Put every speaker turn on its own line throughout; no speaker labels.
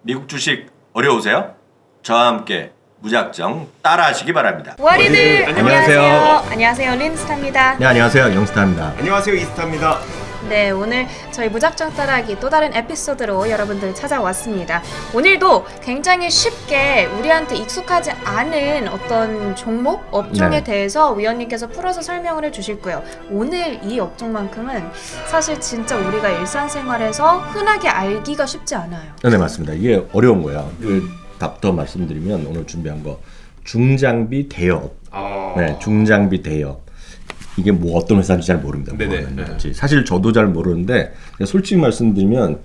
미국 주식 어려우세요? 저와 함께 무작정 따라하시기 바랍니다.
워리들
안녕하세요.
안녕하세요. 린스타입니다.
네, 안녕하세요. 영스타입니다.
안녕하세요, 이스타입니다.
네, 오늘 저희 무작정 따라하기 또 다른 에피소드로 여러분들 찾아왔습니다. 오늘도 굉장히 쉽게 우리한테 익숙하지 않은 어떤 종목, 업종에
네.
대해서 위원님께서 풀어서 설명을 해주실 거예요. 오늘 이 업종만큼은 사실 진짜 우리가 일상생활에서 흔하게 알기가 쉽지 않아요.
네, 맞습니다. 이게 어려운 거예요. 그 답도 말씀드리면 오늘 준비한 거 중장비 대여업. 네, 중장비 대여업. 이게 뭐 어떤 회사인지 잘 모릅니다.
네네.
뭐 하는 건지. 사실 저도 잘 모르는데 솔직히 말씀드리면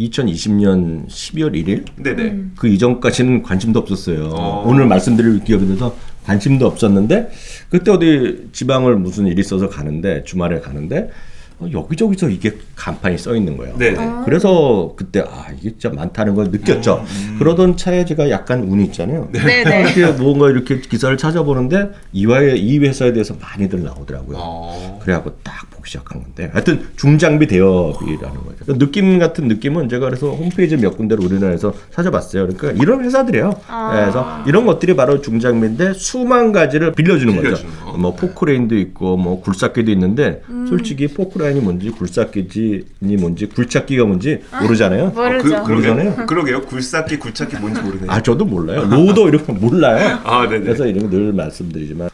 2020년 12월 1일
네네.
그 이전까지는 관심도 없었어요.
어.
오늘 말씀드릴 기업에 대해서 관심도 없었는데 그때 어디 지방을 무슨 일이 있어서 가는데 주말에 가는데 여기저기서 이게 간판이 써 있는 거예요.
네네.
그래서 그때 이게 진짜 많다는 걸 느꼈죠. 그러던 차에 제가 약간 운이 있잖아요.
네네.
이렇게 뭔가 이렇게 기사를 찾아보는데 이 회사에 대해서 많이들 나오더라고요. 그래갖고 딱 보기 시작한 건데 하여튼 중장비 대여업이라는 거죠. 느낌 같은 느낌은 제가 그래서 홈페이지 몇 군데를 우리나라에서 찾아봤어요. 그러니까 이런 회사들이에요. 그래서 이런 것들이 바로 중장비인데 수만 가지를 빌려주는 거죠. 뭐 포크레인도 있고 뭐 굴삭기도 있는데 솔직히 포크레인이 뭔지 굴삭기지 뭔지 굴착기가 뭔지 모르잖아요.
모르죠.
모르잖아요.
그러게요. 굴삭기, 굴착기 뭔지 모르네요.
저도 몰라요. 로더 이런 거 몰라요.
네네.
그래서 이런 거 늘 말씀드리지만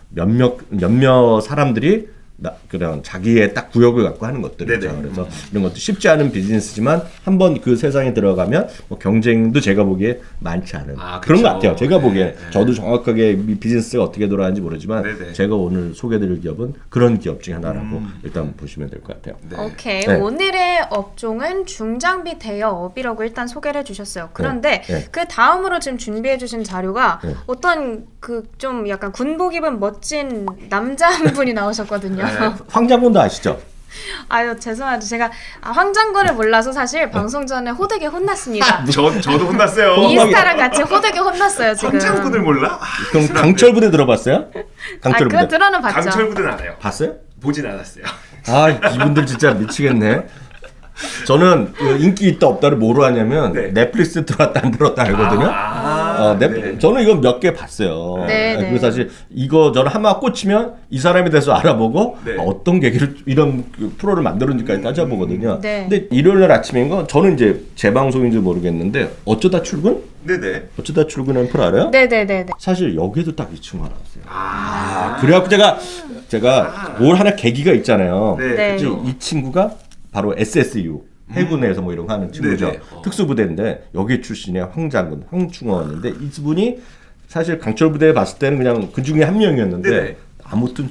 몇몇 사람들이 그런 자기의 딱 구역을 갖고 하는 것들이죠.
네네.
그래서 이런 것도 쉽지 않은 비즈니스지만 한번 그 세상에 들어가면 뭐 경쟁도 제가 보기에 많지 않은 그런 것 같아요. 제가 보기에
네.
저도 정확하게 이 비즈니스가 어떻게 돌아가는지 모르지만
네네.
제가 오늘 소개드릴 기업은 그런 기업 중에 하나라고 일단 보시면 될 것 같아요.
네.
오케이.
네.
오늘의 업종은 중장비 대여업이라고 일단 소개를 해주셨어요. 그런데
네.
그 다음으로 지금 준비해주신 자료가
네.
어떤 그 좀 약간 군복 입은 멋진 남자 한 분이 나오셨거든요.
황장군도 아시죠?
아유 죄송합니다. 제가 황장군을 몰라서 사실 방송 전에 호되게 혼났습니다.
저도 혼났어요.
이스타랑 같이 호되게 혼났어요 지금.
황장군을 몰라?
그럼 강철부대 들어봤어요? 강철부대
그건 들어는 봤죠.
강철부대는 알아요.
봤어요?
보진 않았어요.
이분들 진짜 미치겠네. 저는 그 인기 있다 없다를 뭐로 하냐면
네.
넷플릭스 들어왔다 안 들어왔다 알거든요.
네.
저는 이거 몇 개 봤어요.
네, 네.
그리고 사실 이거 저는 하나 꽂히면 이 사람에 대해서 알아보고
네.
어떤 계기를 이런 그 프로를 만들었는지까지 따져보거든요.
네.
근데 일요일날 아침인 건 저는 이제 제 방송인지 모르겠는데 어쩌다 출근?
네네.
어쩌다 출근하는 프로 알아요?
네네네네.
사실 여기에도 딱 이 친구가 나왔어요. 그래갖고 제가 뭘 하나 계기가 있잖아요.
네.
네.
그치? 이 친구가 바로 SSU 해군에서 뭐 이런 거 하는 친구죠.
네네.
특수부대인데 여기 출신의 황장군, 황충원인데 이분이 사실 강철부대에 봤을 때는 그냥 그 중에 한 명이었는데
네네.
아무튼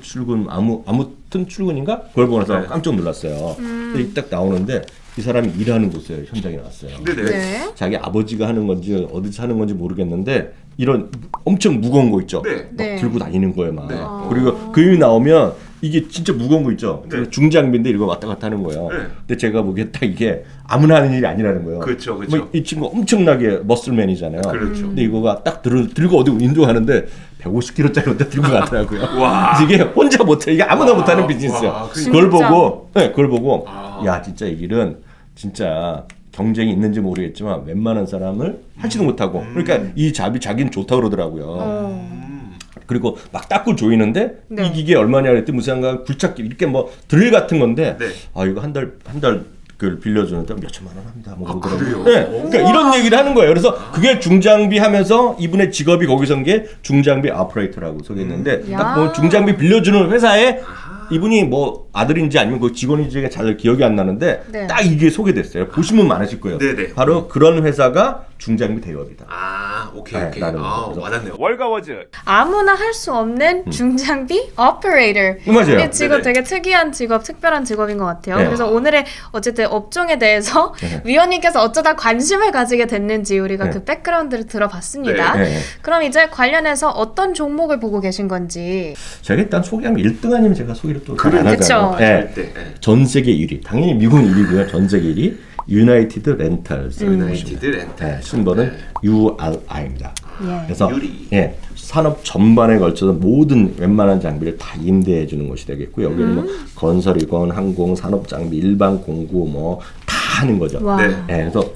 출근인가? 그걸 보면서
네.
깜짝 놀랐어요. 근데 딱 나오는데 이 사람이 일하는 곳에 현장에 나왔어요.
네네.
네.
자기 아버지가 하는 건지 어디서 하는 건지 모르겠는데 이런 엄청 무거운 거 있죠.
네.
막
네.
들고 다니는 거예요, 막.
네.
그리고 그 일이 나오면 이게 진짜 무거운 거 있죠.
네.
중장비인데 이거 왔다 갔다 하는 거예요.
네.
근데 제가 보기에 딱 이게 아무나 하는 일이 아니라는 거예요.
그렇죠, 그렇죠.
뭐이 친구 엄청나게 머슬맨이잖아요.
그렇죠.
근데 이거가 딱 들고 어디 운동하는데 150kg짜리인데 들고 가더라고요.
와.
이게 혼자 못해. 이게 아무나 못하는 비즈니스야.
와,
그걸
진짜.
보고, 그걸 보고, 야 진짜 이 길은 진짜 경쟁이 있는지 모르겠지만 웬만한 사람을 하지도 못하고. 그러니까 이 잡이 자기는 좋다 그러더라고요. 그리고 막 닦고 조이는데
네.
이 기계 얼마냐 그랬더니 무슨 굴착기 이렇게 뭐 드릴 같은 건데
네.
이거 한 달 그걸 빌려주는데 몇 천만 원 합니다. 뭐 그러더라고요.
그래요?
네. 그러니까 이런 얘기를 하는 거예요. 그래서 그게 중장비 하면서 이분의 직업이 거기서 온 게 중장비 오퍼레이터라고 소개했는데
야.
딱 뭐 중장비 빌려주는 회사에 이분이 뭐 아들인지 아니면 그 직원인지가 잘 기억이 안 나는데
네.
딱 이게 소개됐어요. 보시면 많으실 거예요.
네네.
바로 그런 회사가 중장비 대여업이다.
오케이.
네, 나는 그래서.
와닿네요. 월가워즈.
아무나 할 수 없는 중장비 오퍼레이터.
맞아요.
이 직업
네네.
되게 특이한 직업, 특별한 직업인 것 같아요.
네.
그래서 오늘의 어쨌든 업종에 대해서 위원님께서 어쩌다 관심을 가지게 됐는지 우리가
네.
그 백그라운드를 들어봤습니다.
네.
그럼 이제 관련해서 어떤 종목을 보고 계신 건지.
제가 일단 소개하면 1등 아니면 제가 소개를 또 안
그쵸.
하잖아요. 네.
절대. 네.
전 세계 1위. 당연히 미국은 1위고요. 전 세계 1위. 유나이티드 렌탈스.
유나이티드 렌탈.
네, 심벌은 URI입니다.
예.
그래서
유리.
산업 전반에 걸쳐서 모든 웬만한 장비를 다 임대해 주는 것이 되겠고 여기는 뭐 건설이건 항공, 산업 장비, 일반 공구 뭐 다 하는 거죠.
와.
네.
그래서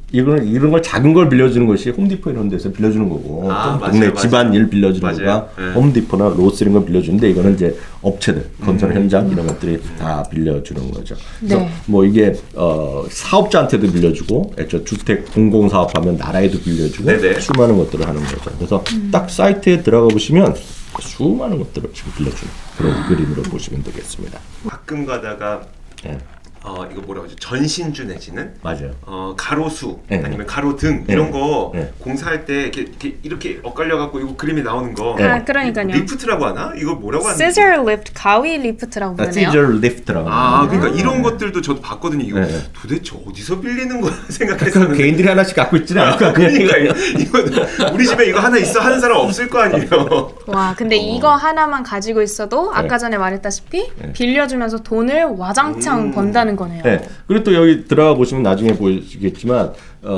이런 걸 작은 걸 빌려주는 것이 홈디포 이런 데서 빌려주는 거고 좀 동네
맞아요.
집안 일 빌려주는
맞아요.
거가
네.
홈디포나 로스 이런 걸 빌려주는데 이거는 이제 업체들 건설 현장 이런 것들이 다 빌려주는 거죠. 그래서
네.
뭐 이게 사업자한테도 빌려주고 애초 주택 공공 사업하면 나라에도 빌려주고
네네.
수많은 것들을 하는 거죠. 그래서 딱 사이트에 들어가 보시면 수많은 것들을 지금 빌려주는 그런 그림으로 보시면 되겠습니다.
가끔 가다가
예.
이거 뭐라고 하죠? 전신주 내지는
맞아요.
가로수
네.
아니면 가로등
네.
이런 거
네.
공사할 때 이렇게 엇갈려 갖고 이거 그림이 나오는 거
아, 그러니까요.
리프트라고 하나? 이거 뭐라고 하는지
scissor lift, 가위 리프트라고 부르네요.
시저 리프트라고.
그러니까 이런 것들도 저도 봤거든요. 이거
네.
도대체 어디서 빌리는 거야
그
생각했었는데
개인들이 하나씩 갖고 있지는 않을 거
그러니까 이거 우리 집에 이거 하나 있어 하는 사람 없을 거 아니에요.
와, 근데 이거 하나만 가지고 있어도 아까 전에 말했다시피 빌려주면서 돈을 와장창 번다는 거네요.
네. 그리고 또 여기 들어가 보시면 나중에 보시겠지만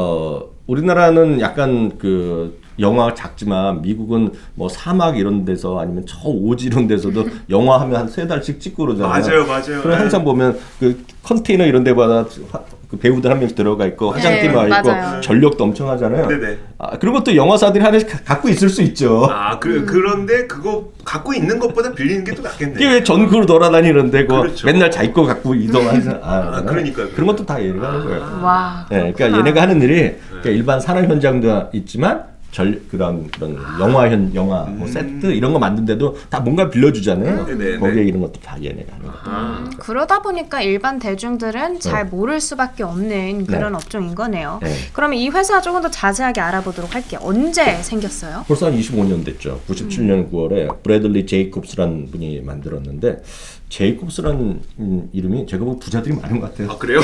우리나라는 약간 그 영화가 작지만 미국은 뭐 사막 이런 데서 아니면 저 오지 이런 데서도 영화 하면 한 3달씩 찍고 그러잖아요.
맞아요.
그럼 항상 보면 그 컨테이너 이런 데마다 그 배우들 한 명씩 들어가 있고 화장팀 와 있고
맞아요.
전력도 엄청 하잖아요.
네네.
그런 것도 영화사들이 하나씩 갖고 있을 수 있죠.
그런데 그거 갖고 있는 것보다 빌리는 게 또 낫겠네.
이게 왜 전국으로 돌아다니는데 그
그렇죠.
맨날 자기 거 갖고 이동하는
그러니까요.
그런 것도 다 얘기가 하는 거예요.
와,
네, 그러니까 얘네가 하는 일이 그러니까 일반 산업 현장도 있지만 그런 영화 뭐 세트 이런 거 만든데도 다 뭔가 빌려주잖아요.
네네.
거기에 이런 것도 다 얘네가 하는 거예요.
그러다 보니까 일반 대중들은 잘 모를 수밖에 없는 그런 업종인 거네요.
네.
그러면 이 회사 조금 더 자세하게 알아보도록 할게요. 언제 생겼어요?
벌써 한 25년 됐죠. 97년 9월에 브래들리 제이콥스라는 분이 만들었는데 제이콥스라는 이름이 제가 보고 부자들이 많은 것 같아요.
그래요?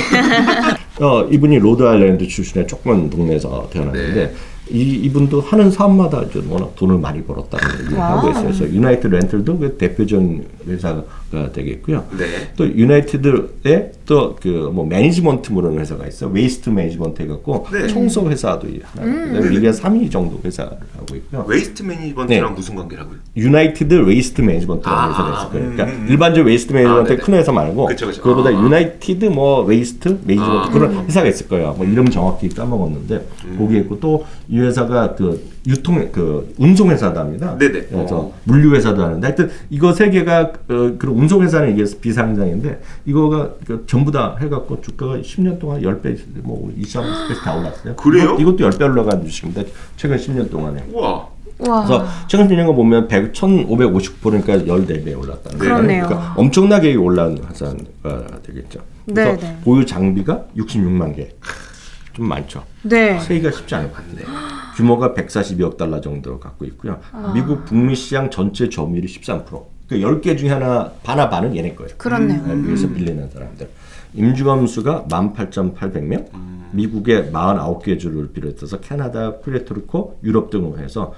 이분이 로드 아일랜드 출신의 조그만 동네에서 태어났는데
네.
이분도 하는 사업마다 이제 워낙 돈을 많이 벌었다는 얘기를 하고 있어요. 그래서 유나이티드 렌털도 그 대표적인 회사가 되겠고요.
네.
또 유나이티드에 또 그 뭐 매니지먼트 모르는 회사가 있어. 웨이스트 매니지먼트 해갖고
네.
청소 회사도 하나. 미국에 3위 정도 회사를 하고 있고요.
웨이스트 매니지먼트랑
네.
무슨 관계라고요?
유나이티드 웨이스트 매니지먼트라는 회사가 있을 거예요. 그러니까 일반적 웨이스트 매니지먼트
네네.
큰 회사 말고
그쵸.
그거보다 유나이티드 뭐 웨이스트 매니지먼트 그런 회사가 있을 거예요. 뭐 이름 정확히 까먹었는데 거기에 있고 또 이 회사가 그 유통 그 운송 회사답니다.
네네.
그래서 물류 회사도 하는데 하여튼 이거 세 개가 그런 운송 회사는 이게 비상장인데 이거가 전부 다 해갖고 주가가 10년 동안 10배 뭐 20배씩 다 올랐어요.
그래요?
이것도 10배 올라간 주식인데 최근 10년 동안에.
우와.
와,
그래서 최근 10년간 보면 1,550%니까 14배 올랐다는 거예요.
그렇네요.
그러니까 엄청나게 올라온 회사가 되겠죠. 그래서
네.
보유 장비가 66만 개. 좀 많죠.
네.
세기가 쉽지 않을 것 같은데 규모가 142억 달러 정도 갖고 있고요. 미국 북미 시장 전체 점유율이 13%. 그 10개 중에 하나 반은 얘네 거예요.
그렇네요.
미국에서 빌리는 사람들. 임직원 수가 18,800명. 미국의 49개 주를 비롯해서 캐나다, 푸에르토리코, 유럽 등으로 해서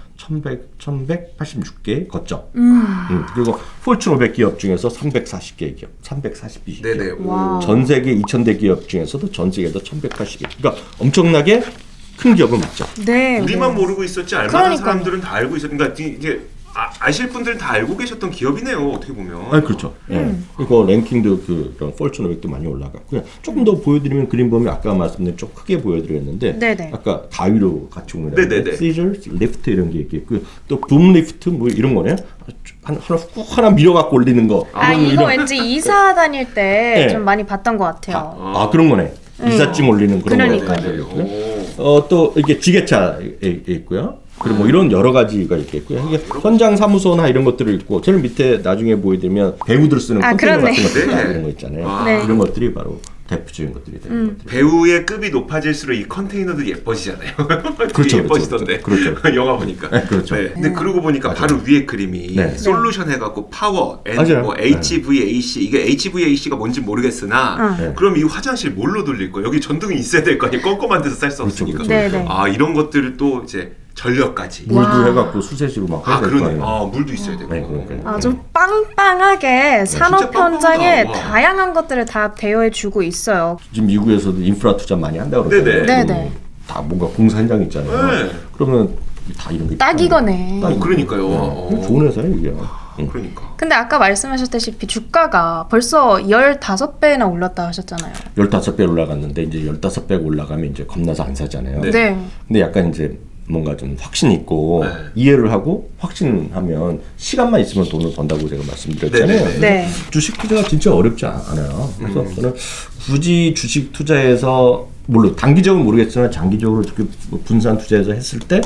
1,186개의 거점. 그리고 포춘 500 기업 중에서 340개 기업, 342개.
네네.
와.
전 세계 2,000대 기업 중에서도 전 세계에서 1,180개. 그러니까 엄청나게 큰 기업은 맞죠.
네.
우리만
네.
모르고 있었지 알만한
그러니까요.
사람들은 다 알고 있었. 그러니까 이게 아실 분들은 다 알고 계셨던 기업이네요. 어떻게 보면.
그렇죠. 예. 이거 랭킹도 그런 폴춘 500도 많이 올라갔고요. 조금 더 보여드리면 그림 보면 아까 말씀드린 좀 크게 보여드렸는데
네네.
아까 가위로 같이 오는
네네네.
시저, 리프트 이런 게 있고요. 또 붐 리프트 뭐 이런 거네. 하나 밀어갖고 올리는 거.
이거 왠지 이사 다닐 때
네.
좀 많이 봤던 것 같아요.
그런 거네. 이삿짐 올리는 그런
그러니까요.
거. 또 이게 지게차에 있고요. 그리고 뭐 이런 여러 가지가 있겠고요. 이게 현장 사무소나 이런 것들이 있고, 제일 밑에 나중에 보여드리면 배우들 쓰는 컨테이너
그러네.
같은 것들
네.
이런 거 있잖아요.
네.
이런 것들이 바로 대표적인 것들이 되는 것들.
배우의 급이 높아질수록 이 컨테이너도 예뻐지잖아요. 되게
그렇죠,
예뻐지던데.
그렇죠.
영화 보니까.
네, 그렇죠.
근데 그러고 보니까 바로 위에 그림이
네.
솔루션 해갖고 파워,
맞아요.
뭐 HVAC 이게 HVAC가 뭔지 모르겠으나
네.
그럼 이 화장실 뭘로 돌릴 거예요? 여기 전등이 있어야 될 거 아니에요? 껌껌한 데서 쌀 수
그렇죠,
없으니까.
그렇죠.
네네.
이런 것들을 또 이제 전력까지.
물도 해갖고 수세식으로 막 해야 될 거
그러네.
아니에요.
물도 있어야 되고.
네, 그러니까요.
아주 빵빵하게 산업 현장에
빵빵하다. 와.
다양한 것들을 다 대여해주고 있어요.
지금 미국에서도 인프라 투자 많이 한다고 그러잖아요.
네네.
네네.
다 뭔가 공사 현장 있잖아요.
네.
그러면 다 이런 게
딱 이거네.
딱
그러니까요.
좋은 회사예요 이게.
그러니까.
근데 아까 말씀하셨다시피 주가가 벌써 15배나 올랐다 하셨잖아요.
15배 올라갔는데 이제 15배 올라가면 이제 겁나서 안 사잖아요.
네.
네.
근데 약간 이제 뭔가 좀 확신 있고
네.
이해를 하고 확신하면 시간만 있으면 돈을 번다고 제가 말씀드렸잖아요.
네.
네.
주식 투자가 진짜 어렵지 않아요. 그래서 저는 굳이 주식 투자해서 물론 단기적으로 모르겠지만 장기적으로 이렇게 분산 투자해서 했을 때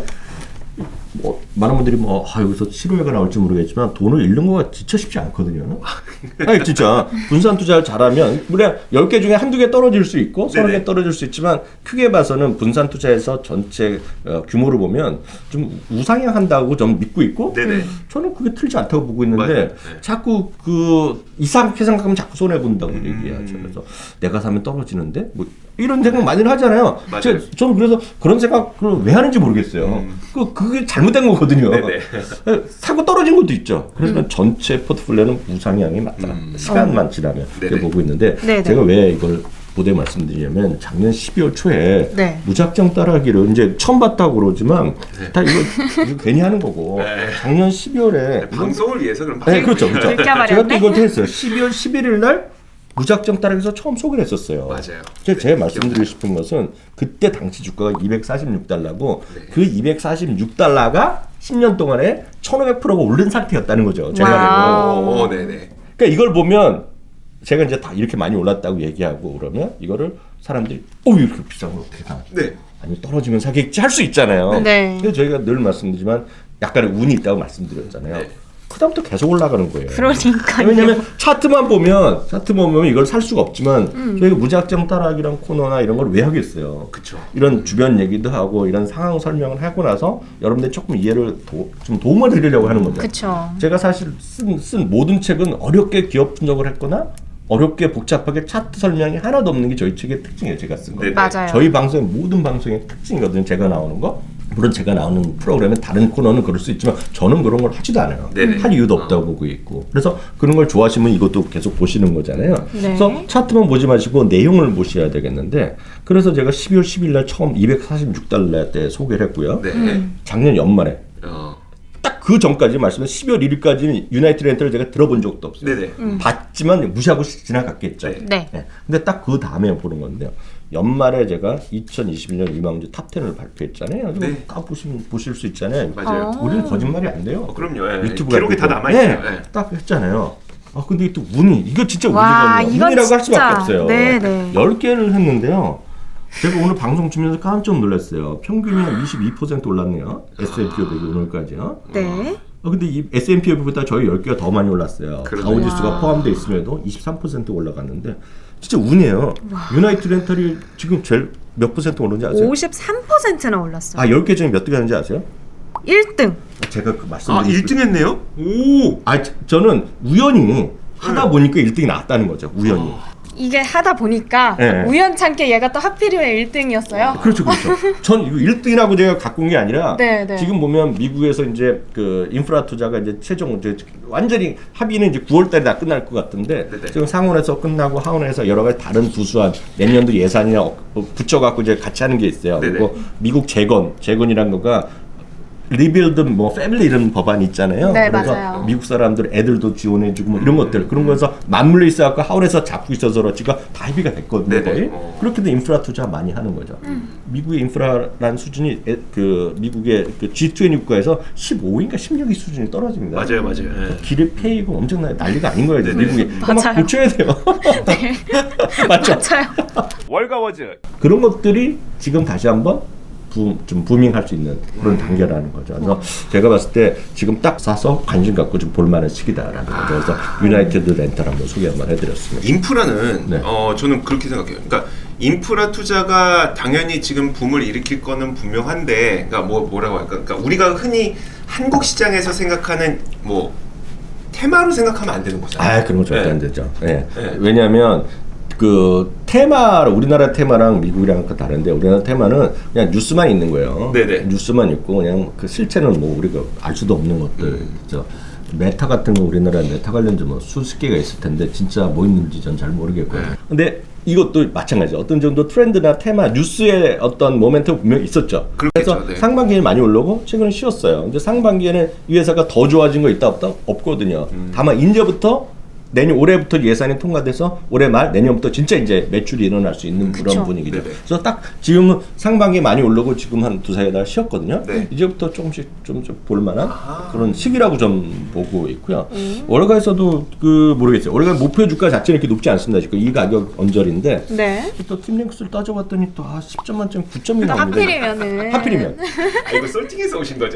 많은 분들이 여기서 실효가 나올지 모르겠지만 돈을 잃는 거가 진짜 쉽지 않거든요. 아니 진짜 분산 투자를 잘하면 물론 10개 중에 한두 개 떨어질 수 있고 30개 떨어질 수 있지만 크게 봐서는 분산 투자에서 전체 규모를 보면 좀 우상향한다고 좀 믿고 있고
네네.
저는 그게 틀리지 않다고 보고 있는데
맞아요. 네.
자꾸 그 이상하게 생각하면 자꾸 손해 본다고 얘기하죠. 그래서 내가 사면 떨어지는데 뭐 이런 생각 많이 하잖아요.
맞아요.
저는 그래서 그런 생각을 왜 하는지 모르겠어요. 그게 잘못된 거거든요.
네네.
사고 떨어진 것도 있죠. 그래서 전체 포트폴리오는 우상향이 맞다. 시간만 지나면 그렇게
네네.
보고 있는데
네네.
제가 왜 이걸 보대 말씀드리냐면 작년 12월 초에
네.
무작정 따라하기를 이제 처음 봤다고 그러지만 다 이거 괜히 하는 거고
네.
작년 12월에
방송을 위해서 그럼
네, 그렇죠.
들켜버렸네?
제가 또 이걸 했어요. 12월 11일 날 무작정 따라해서 처음 소개를 했었어요.
맞아요.
제가 말씀드리고 싶은 것은 그때 당시 주가가 246달러고 그 246달러가 10년 동안에 1500%가 오른 상태였다는 거죠. 제가
와우.
오, 네네.
그러니까 이걸 보면 제가 이제 다 이렇게 많이 올랐다고 얘기하고 그러면 이거를 사람들이 이렇게 비싼 걸 어떻게 사?
네.
아니 떨어지면 사겠지 할 수 있잖아요.
네.
그래서 저희가 늘 말씀드리지만 약간의 운이 있다고 말씀드렸잖아요.
네.
그다음부터 계속 올라가는 거예요.
그러니까요.
왜냐하면 차트만 보면 이걸 살 수가 없지만 저희가 무작정 따라하기란 코너나 이런 걸 왜 하겠어요.
그쵸.
이런 주변 얘기도 하고 이런 상황 설명을 하고 나서 여러분들 조금 이해를 좀 도움을 드리려고 하는 거죠.
그쵸.
제가 사실 쓴 모든 책은 어렵게 기업 분석을 했거나 어렵게 복잡하게 차트 설명이 하나도 없는 게 저희 책의 특징이에요. 제가 쓴 거.
네네.
맞아요.
저희 방송의 모든 방송의 특징이거든요. 제가 나오는 거. 물론 제가 나오는 프로그램에 다른 코너는 그럴 수 있지만 저는 그런 걸 하지도 않아요.
네네.
할 이유도 없다고 보고 있고. 그래서 그런 걸 좋아하시면 이것도 계속 보시는 거잖아요.
네.
그래서 차트만 보지 마시고 내용을 보셔야 되겠는데 그래서 제가 12월 10일 날 처음 246달러 때 소개를 했고요.
네.
작년 연말에
어.
딱 그 전까지 말씀은 12월 1일까지는 유나이티드 렌터를 제가 들어본 적도 없어요.
네네.
봤지만 무시하고 지나갔겠죠.
네.
근데 딱 그 다음에 보는 건데요. 연말에 제가 2021년 리마운드 탑10을 발표했잖아요.
네.
다 보실 수 있잖아요.
맞아요.
우리는 거짓말이 안 돼요.
그럼요. 예.
유튜브가
기록이 다
있고.
남아있어요.
네,
예.
딱 했잖아요. 근데 또 운이 이거 진짜
와,
운이거든요.
이건
운이라고 할
진짜.
수밖에 없어요.
네네.
10개를 했는데요. 제가 오늘 방송 주면서 깜짝 놀랐어요. 평균이 한 22% 올랐네요. S&P 500이 오늘까지요.
네.
근데 이 S&P 500보다 저희 10개가 더 많이 올랐어요.
그러네요.
다우지수가 포함되어 있음에도 23% 올라갔는데 진짜 운이에요. 유나이트 렌털이 지금 제일 몇 퍼센트 오른지 아세요?
53%나 올랐어요.
10개 중에 몇 개 하는지 아세요?
1등.
제가 그 말씀드리고
1등 했네요? 오!
저는 우연히 하다 보니까 1등이 나왔다는 거죠. 우연히.
이게 하다 보니까
네.
우연찮게 얘가 또 하필이면 1등이었어요.
그렇죠. 전 이거 1등이라고 제가 갖고 온 게 아니라
네, 네.
지금 보면 미국에서 이제 그 인프라 투자가 이제 최종 이제 완전히 합의는 이제 9월 달에 다 끝날 것 같은데
네네.
지금 상원에서 끝나고 하원에서 여러 가지 다른 부수안 내년도 예산이나 붙여 갖고 이제 같이 하는 게 있어요.
네네.
그리고 미국 재건이란 거가 리빌드 패밀리 이런 법안이 있잖아요.
네,
그래서
맞아요.
미국 사람들 애들도 지원해주고 뭐 이런 것들 그런 거에서 맞물려 있어갖고 하원에서 잡고 있어서 그렇지가 다 합의가 됐거든요.
네네.
거의. 그렇게도 인프라 투자 많이 하는 거죠. 미국의 인프라라는 수준이 그 미국의 그 G20 국가에서 15인가 16위 수준이 떨어집니다.
맞아요. 예.
길을 패이고 엄청나게 난리가 아닌 거예요.
네네.
미국이. 막
맞아요.
고쳐야 돼요. 맞죠?
맞아요.
월가워즈.
그런 것들이 지금 다시 한번 좀 부밍할 수 있는 그런 단계라는 거죠. 그래서 제가 봤을 때 지금 딱 사서 관심 갖고 좀 볼만한 시기다라는 거죠. 그래서 유나이티드 렌털 한번 소개 한번 해드렸습니다.
인프라는
네.
저는 그렇게 생각해요. 그러니까 인프라 투자가 당연히 지금 붐을 일으킬 거는 분명한데, 그러니까 뭐라고 할까? 그러니까 우리가 흔히 한국 시장에서 생각하는 테마로 생각하면 안 되는 거잖아요.
그런 거 절대
네.
안 되죠. 네.
네.
왜냐하면 그 우리나라 테마랑 미국이랑 다른데 우리나라 테마는 그냥 뉴스만 있는 거예요.
네네.
뉴스만 있고 그냥 그 실체는 우리가 알 수도 없는 것들. 그죠? 메타 같은 거 우리나라에 메타 관련주 수십 개가 있을 텐데 진짜 뭐 있는지 전 잘 모르겠고요.
네.
근데 이것도 마찬가지죠. 어떤 정도 트렌드나 테마, 뉴스의 어떤 모멘텀 분명히 있었죠.
그렇겠죠,
그래서
네.
상반기에 많이 올라오고 최근에 쉬었어요. 근데 상반기에는 이 회사가 더 좋아진 거 있다 없다? 없거든요. 다만 이제부터 올해부터 예산이 통과돼서 올해 말 내년부터 진짜 이제 매출이 일어날 수 있는 그런
그쵸.
분위기죠.
네네.
그래서 딱 지금은 상반기에 많이 올라오고 지금 한 두세 달 쉬었거든요.
네.
이제부터 조금씩 좀 볼만한 그런 시기라고 좀 보고 있고요. 월가에서도 모르겠어요. 월가 목표 주가 자체는 이렇게 높지 않습니다. 지금 이 가격 언저리인데
네.
또 팀랭크스를 따져봤더니 또 10점 만점 9점이
또
나오는데
하필이면은
이거 솔팅해서 오신 거죠?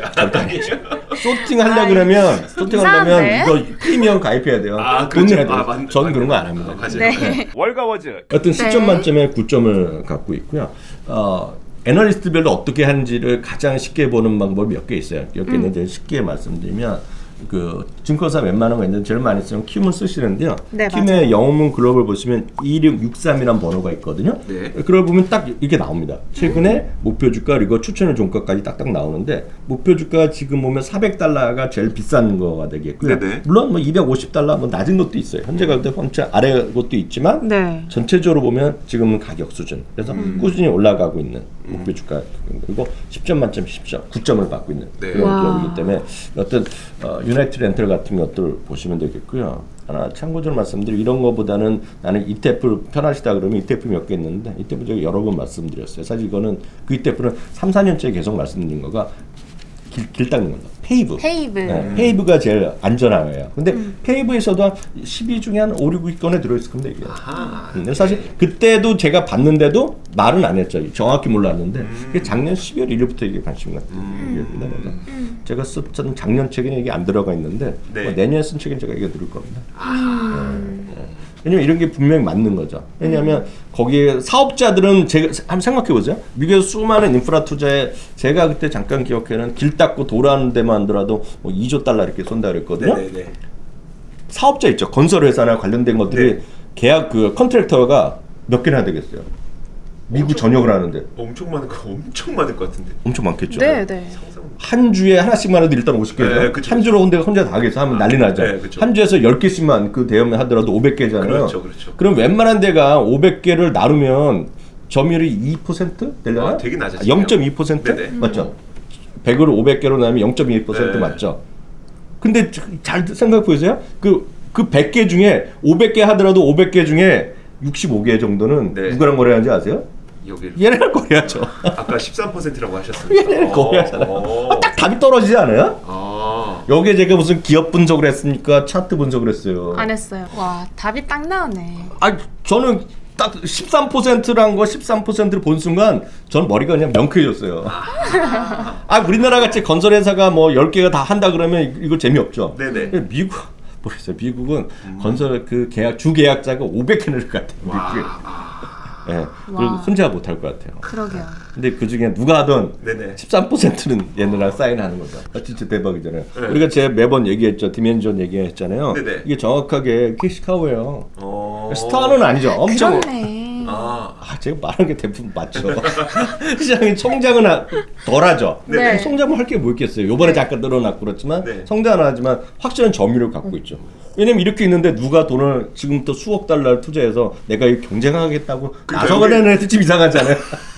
소팅 하려 그러면
이상한데?
이거 프리미엄 가입해야 돼요. 돈 내야 돼요. 저는 그런 거 안 합니다.
맞아요.
네.
월가워즈.
어떤 10점
네.
만점에 9점을 갖고 있고요. 애널리스트별로 어떻게 하는지를 가장 쉽게 보는 방법이 몇 개 있어요. 몇 개 있는데 쉽게 말씀드리면 증권사 웬만한 거 있는데 제일 많이 쓰면 킴을 쓰시는데요.
네,
킴의 영문 글로벌 보시면 2663이라는 번호가 있거든요.
네.
그걸 보면 딱 이렇게 나옵니다. 최근에 목표 주가 그리고 추천의 종가까지 딱딱 나오는데 목표 주가 지금 보면 $400가 제일 비싼 거가 되겠고요.
네네.
물론 뭐 $250 뭐 낮은 것도 있어요. 현재 가격대 한차 아래 것도 있지만
네.
전체적으로 보면 지금은 가격 수준. 그래서 꾸준히 올라가고 있는 목표 주가 그리고 10점 만점 10점, 9점을 받고 있는
네.
그런
와.
기업이기 때문에 어떤 유나이티드 렌털 같은 것들 보시면 되겠고요. 하나 참고적으로 말씀드리면 이런 거보다는 나는 ETF 편하시다 그러면 ETF 몇 개 있는데 ETF 제가 여러 번 말씀드렸어요. 사실 이거는 그 ETF는 3, 4년째 계속 말씀드린 거가 길 닦는 겁니다. 페이브. 네, 페이브가 제일 안전하예요. 근데 페이브에서도 한 12 중에 한 5, 6위권에 들어있을 겁니다. 이게. 근데 사실 그때도 제가 봤는데도 말은 안 했죠. 정확히 몰랐는데 이게 작년 12월 1일부터 이게 관심 같은 얘기입니다. 그래서 제가 썼던 작년 책에는 이게 안 들어가 있는데
네.
뭐 내년에 쓴 책은 제가 이게 들을 겁니다. 왜냐면 이런 게 분명히 맞는 거죠. 왜냐하면 거기에 사업자들은 제가 한번 생각해 보세요. 미국에서 수많은 인프라 투자에 제가 그때 잠깐 기억해는 길 닦고 도라는 데만 하더라도 뭐 $2조 이렇게 쏜다 그랬거든요.
네네네.
사업자 있죠. 건설 회사나 관련된 것들이
네.
계약 컨트랙터가 몇 개나 되겠어요. 미국 전역을 하는데
엄청 많을 것 같은데.
엄청 많겠죠.
네, 네.
한 주에 하나씩만 해도 일단 50개죠.
네, 그쵸,
한 주로 혼자 다 하겠어 하면 난리 나죠.
네, 그쵸.
한 주에서 10개씩만 그 대여면 하더라도 500개잖아요.
그렇죠.
그럼 웬만한 데가 500개를 나누면 점유율이 2% 되려나?
되게 낮아지네요.
0.2%?
네네.
맞죠? 100으로 500개로 나누면 0.2%
네.
맞죠? 근데 잘 생각해 보세요. 그 100개 중에 500개 하더라도 500개 중에 65개 정도는
네.
누구랑 거래하는지 아세요?
여기
얘네랑 거래하죠.
아까 13%라고 하셨습니다.
얘네랑 거래하잖아요. 딱 답이 떨어지지 않아요? 여기에 제가 무슨 기업 분석을 했습니까? 차트 분석을 했어요.
안 했어요. 와, 답이 딱 나오네.
저는 딱 13%란 거 13%를 본 순간 전 머리가 그냥 명쾌해졌어요. 우리나라 같이 건설 회사가 뭐 10개가 다 한다 그러면 이거 재미없죠.
네네.
모르겠어요. 미국은 건설 주 계약자가 500개 늘 것 같아요. 미국에. 예. 그리고 혼자 못 할 것 같아요.
그러게요.
근데 그 중에 누가 하든
네네.
13%는 얘네랑 사인하는 거죠. 진짜 대박이잖아요.
네.
우리가 제가 매번 얘기했죠. 디멘전 얘기했잖아요.
네네.
이게 정확하게 캐시카우예요. 스타는 아니죠. 엄청.
그렇네.
제가 말한 게 대부분 맞죠. 시장이 성장은 덜하죠.
네.
성장을 할 게 뭐 있겠어요. 요번에 잠깐 늘어났고 그렇지만
네.
성장은 하지만 확실한 점유율을 갖고 있죠. 왜냐면 이렇게 있는데 누가 돈을 지금부터 수억 달러를 투자해서 내가 이 경쟁하겠다고 나서가려는 애들 좀 이상하잖아요.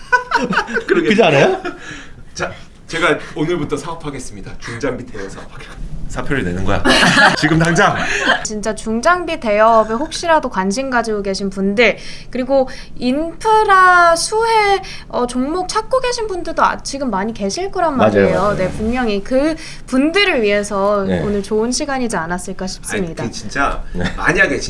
그렇지 않아요?
자, 제가 오늘부터 사업하겠습니다. 중장비 대여 사업. 사표를 내는 거야. 지금 당장.
진짜 중장비 대여업에 혹시라도 관심 가지고 계신 분들, 그리고 인프라 수혜 종목 찾고 계신 분들도 지금 많이 계실 거란 말이에요.
맞아요.
네, 분명히 그 분들을 위해서
네.
오늘 좋은 시간이지 않았을까 싶습니다.
아니, 진짜 만약에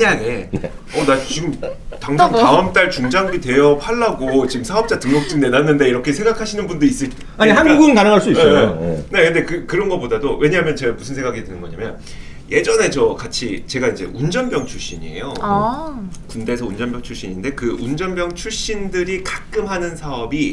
나 지금 당장
뭐?
다음 달 중장비 대여업 하려고 지금 사업자 등록증 내놨는데 이렇게 생각하시는 분도 있을.
아니 한국은 가능할 수 있어요.
네, 근데 그런 거보다도 왜냐하면 제가 무슨 생각이 드는 거냐면 예전에 제가 이제 운전병 출신이에요. 군대에서 운전병 출신인데 그 운전병 출신들이 가끔 하는 사업이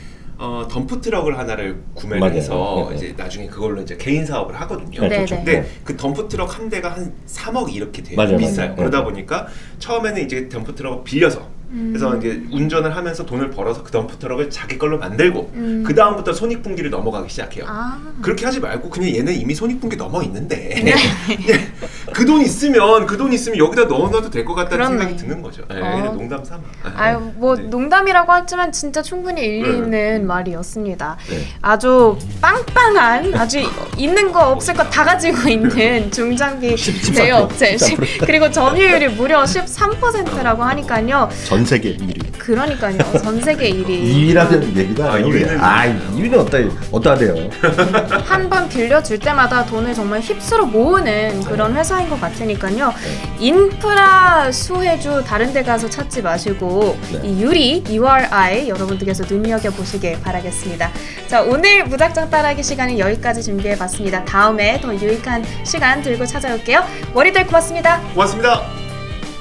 덤프 트럭을 하나를 구매를
맞아요.
해서
네.
이제 나중에 그걸로 이제 개인 사업을 하거든요.
네,
그렇죠.
근데 그 덤프 트럭 한 대가 한 3억 이렇게 돼요.
맞아요.
비싸요.
맞아요.
그러다 보니까 처음에는 이제 덤프 트럭을 빌려서 그래서 이제 운전을 하면서 돈을 벌어서 그 덤프 트럭을 자기 걸로 만들고 그 다음부터 손익분기를 넘어가기 시작해요. 그렇게 하지 말고 그냥 얘는 이미 손익분기 넘어 있는데 그 돈 있으면 여기다 넣어놔도 될 것 같다는
그렇네.
생각이 드는 거죠. 네, 그냥 농담 삼아.
아유 뭐
네.
농담이라고 하지만 진짜 충분히 일리 있는 말이었습니다.
네.
아주 빵빵한 아주 있는 거 없을 거 다 가지고 있는 중장비 대여 업체
13%.
그리고 점유율이 무려 13%라고 하니까요.
전 세계 1위.
그러니까요. 전 세계 1위.
2위라는 얘기가
아, 2위는
2위는 어따 돼요.
한 번 빌려줄 때마다 돈을 정말 휩쓸어 모으는 그런 회사인 것 같으니까요. 인프라 수혜주 다른 데 가서 찾지 마시고
네.
이 유리 URI 여러분들께서 눈여겨보시길 바라겠습니다. 자, 오늘 무작정 따라하기 시간은 여기까지 준비해봤습니다. 다음에 더 유익한 시간 들고 찾아올게요. 머리들 고맙습니다.
고맙습니다.